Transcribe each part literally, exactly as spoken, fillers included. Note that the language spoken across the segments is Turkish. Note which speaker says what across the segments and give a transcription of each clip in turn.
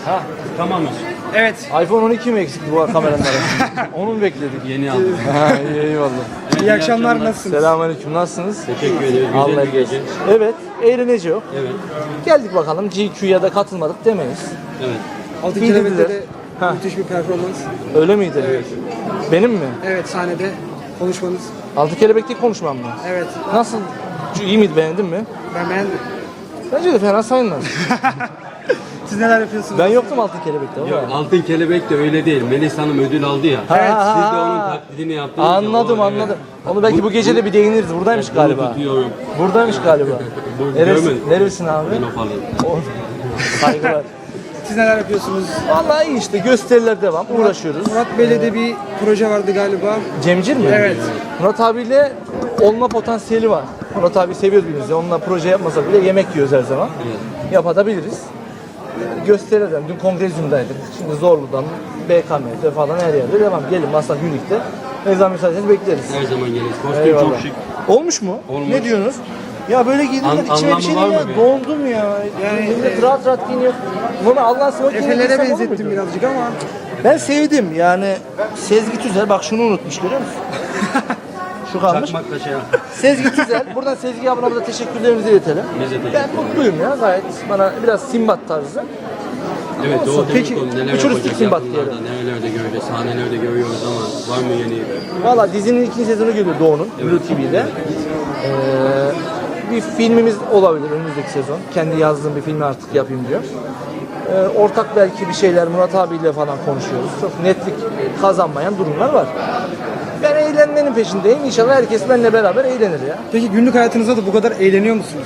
Speaker 1: Ha, tamamız.
Speaker 2: Evet.
Speaker 3: iPhone on iki mi eksikti bu kameranın arasında? Onu mu bekledik?
Speaker 1: Yeni aldım.
Speaker 3: Ha, iyi, eyvallah.
Speaker 1: Evet,
Speaker 2: İyi akşamlar, nasılsınız?
Speaker 3: Selamünaleyküm, nasılsınız?
Speaker 1: Teşekkür ederiz.
Speaker 3: Allah
Speaker 1: Güzel bir gece.
Speaker 3: Evet, eğlence yok.
Speaker 1: Evet.
Speaker 3: Geldik bakalım, G Q'ya da katılmadık demeyiz.
Speaker 1: Evet.
Speaker 2: Altın
Speaker 3: İyi
Speaker 2: Kelebek'te
Speaker 3: dediler.
Speaker 2: de
Speaker 3: Ha.
Speaker 2: müthiş bir performans.
Speaker 3: Öyle miydi? Evet. Benim mi?
Speaker 2: Evet, sahnede konuşmanız.
Speaker 3: Altı Kelebek'teki konuşmam mı?
Speaker 2: Evet,
Speaker 3: Nasıl? İyi miydi, beğendin mi?
Speaker 2: ben beğendim.
Speaker 3: Bence de fena sayılmaz.
Speaker 2: Siz neler yapıyorsunuz?
Speaker 3: Ben yoktum Altın Kelebek'te ama.
Speaker 1: Yok, Altın Kelebek de öyle değil. Melis Hanım ödül aldı ya.
Speaker 3: Ha,
Speaker 1: Evet.
Speaker 3: ha,
Speaker 1: Siz de onun
Speaker 3: ha.
Speaker 1: taklidini yaptınız. ya,
Speaker 3: Anladım
Speaker 1: o,
Speaker 3: anladım.
Speaker 1: evet.
Speaker 3: Onu belki bu gece de bir değiniriz. Buradaymış
Speaker 1: Bunu
Speaker 3: galiba.
Speaker 1: tutuyorum.
Speaker 3: Buradaymış galiba.
Speaker 1: Bu
Speaker 3: Neresi,
Speaker 1: görmedim.
Speaker 3: neresin abi?
Speaker 1: Ben o falan.
Speaker 3: O- Saygılar.
Speaker 2: Siz neler yapıyorsunuz?
Speaker 3: Vallahi iyi işte, gösteriler devam, uğraşıyoruz.
Speaker 2: Murat Bey'le de bir proje vardı galiba.
Speaker 3: Cemcir mi?
Speaker 2: Evet.
Speaker 3: Murat abiyle olma potansiyeli var. Murat abi seviyoruz biz de. Onunla proje yapmasak bile yemek yiyoruz her zaman.
Speaker 1: Evet.
Speaker 3: Yapabiliriz. Gösterilerden, dün Kongrezyum'daydık. Şimdi Zorlu'dan, B K M'de falan her yerde devam. Gelin Maslak Unique'de. Ne zaman müsaadenizi bekleriz.
Speaker 1: Her zaman geliriz. Kostüm
Speaker 3: Eyvallah.
Speaker 1: çok şık.
Speaker 3: Olmuş mu?
Speaker 1: Olmuş.
Speaker 3: Ne diyorsunuz? Ya böyle giydim
Speaker 1: An-
Speaker 3: de içime bir
Speaker 1: anlamı
Speaker 3: şey
Speaker 1: var
Speaker 3: değil ya.
Speaker 1: mı be?
Speaker 3: Dondum ya. Yani millet rahat rahat giyiniyor. Normal Allah'ın smokin'e
Speaker 2: Efelere
Speaker 3: giysem olur
Speaker 2: benzettim
Speaker 3: muydu?
Speaker 2: birazcık ama.
Speaker 3: Ben sevdim yani. Sezgi Tüzel, bak şunu unutmuş, görüyor musun? Şu kalmış.
Speaker 1: Çakmakla şey yap.
Speaker 3: Sezgi Tüzel, buradan Sezgi ablamıza da teşekkürlerimizi iletelim.
Speaker 1: Biz de teşekkür
Speaker 3: Ben mutluyum ya, gayet bana biraz Simbat tarzı.
Speaker 1: Evet,
Speaker 3: Olsun.
Speaker 1: Doğu
Speaker 3: Peki,
Speaker 1: Telekom neler
Speaker 3: uçuristik
Speaker 1: yapacak
Speaker 3: Simbat
Speaker 1: yakınlarda, nerelerde göreceğiz, sahnelerde görüyoruz ama var mı yeni?
Speaker 3: Valla dizinin ikinci sezonu geliyor Doğu'nun, Blue T V'de. Ee, bir filmimiz olabilir önümüzdeki sezon. Kendi yazdığım bir filmi artık yapayım diyor. Ee, ortak belki bir şeyler Murat abiyle falan konuşuyoruz. Çok netlik kazanmayan durumlar var. Ben eğlenmenin peşindeyim. İnşallah herkes benimle beraber eğlenir ya.
Speaker 2: Peki günlük hayatınızda da bu kadar eğleniyor musunuz?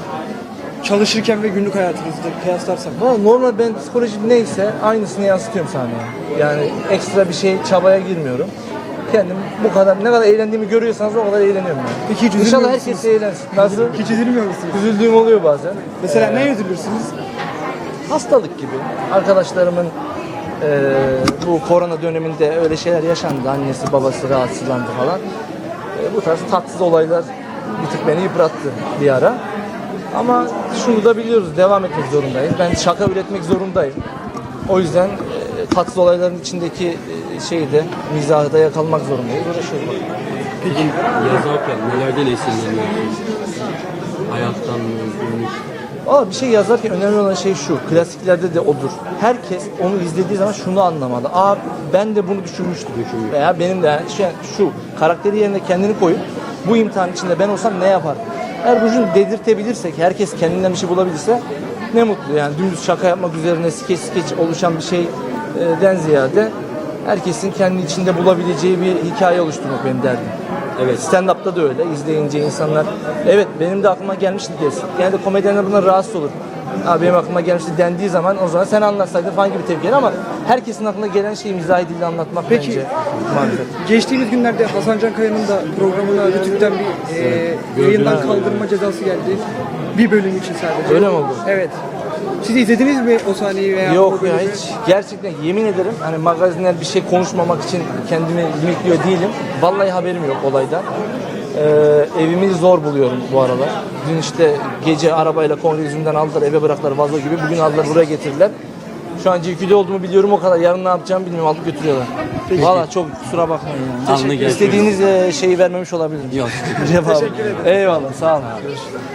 Speaker 2: Çalışırken ve günlük hayatınızda kıyaslarsak.
Speaker 3: Valla normal, ben psikolojim neyse aynısını yansıtıyorum sahneye. Yani ekstra bir şey, çabaya girmiyorum. Kendim bu kadar, ne kadar eğlendiğimi görüyorsanız o kadar eğleniyorum yani.
Speaker 2: Peki hiç üzülmüyor
Speaker 3: İnşallah
Speaker 2: musunuz?
Speaker 3: herkes eğlensin. Nasıl?
Speaker 2: Hiç üzülmüyor musunuz?
Speaker 3: Üzüldüğüm oluyor bazen.
Speaker 2: Mesela ne üzülürsünüz?
Speaker 3: Hastalık gibi. Arkadaşlarımın eee, bu korona döneminde öyle şeyler yaşandı. Annesi babası rahatsızlandı falan. Eee, bu tarz tatsız olaylar bir tık beni yıprattı bir ara. Ama şunu da biliyoruz, devam etmek zorundayız. Ben şaka üretmek zorundayım. O yüzden eee, tatsız olayların içindeki eee, şeyi de, mizahı da yakalamak zorundayız. Uğraşıyoruz.
Speaker 1: Peki yazarken nelerden esinleniyorsunuz? Hayattan mı, günlük?
Speaker 3: Aa, bir şey yazarken önemli olan şey şu, klasiklerde de odur. Herkes onu izlediği zaman şunu anlamalı. Aa, ben de bunu düşünmüştüm.
Speaker 1: Düşünmüş.
Speaker 3: Veya benim de şu, şu karakteri yerine kendini koyup bu imtihan içinde ben olsam ne yapardım? Eğer bunu dedirtebilirsek, herkes kendinden bir şey bulabilirse ne mutlu yani. Dümdüz şaka yapmak üzerine skeç skeç oluşan bir şeyden ziyade herkesin kendi içinde bulabileceği bir hikaye oluşturmak benim derdim.
Speaker 1: Evet.
Speaker 3: Stand-up'ta da öyle. İzleyince insanlar evet benim de aklıma gelmişti desin. Genelde komedyenler bundan rahatsız olur. Abi benim aklıma gelmişti dendiği zaman o zaman sen anlatsaydın falan gibi tepki gelir ama herkesin aklına gelen şeyi mizahi dille anlatmak
Speaker 2: Peki.
Speaker 3: bence marifet.
Speaker 2: Geçtiğimiz günlerde Hasan Can Kaya'nın da programına Rütük'ten bir e, yayından kaldırma cezası geldi. Bir bölüm için sadece.
Speaker 3: Öyle mi oldu?
Speaker 2: Evet. Siz izlediniz mi o sahneyi veya o
Speaker 3: Yok ya,
Speaker 2: bölümü?
Speaker 3: hiç gerçekten yemin ederim hani magazinler bir şey konuşmamak için kendimi limitliyor değilim. Vallahi haberim yok olaydan. Ee, evimi zor buluyorum bu aralar. Dün işte gece arabayla Kongrezyum'dan aldılar, eve bıraktılar vazo gibi. Bugün aldılar buraya getirdiler. Şu an G Q'de olduğumu biliyorum o kadar. Yarın ne yapacağımı bilmiyorum, alıp götürüyorlar. Valla çok kusura bakmayın yani.
Speaker 1: Alnı
Speaker 3: İstediğiniz e, şeyi vermemiş olabilirim.
Speaker 1: Yok.
Speaker 3: Cevabı. Eyvallah, sağ olun.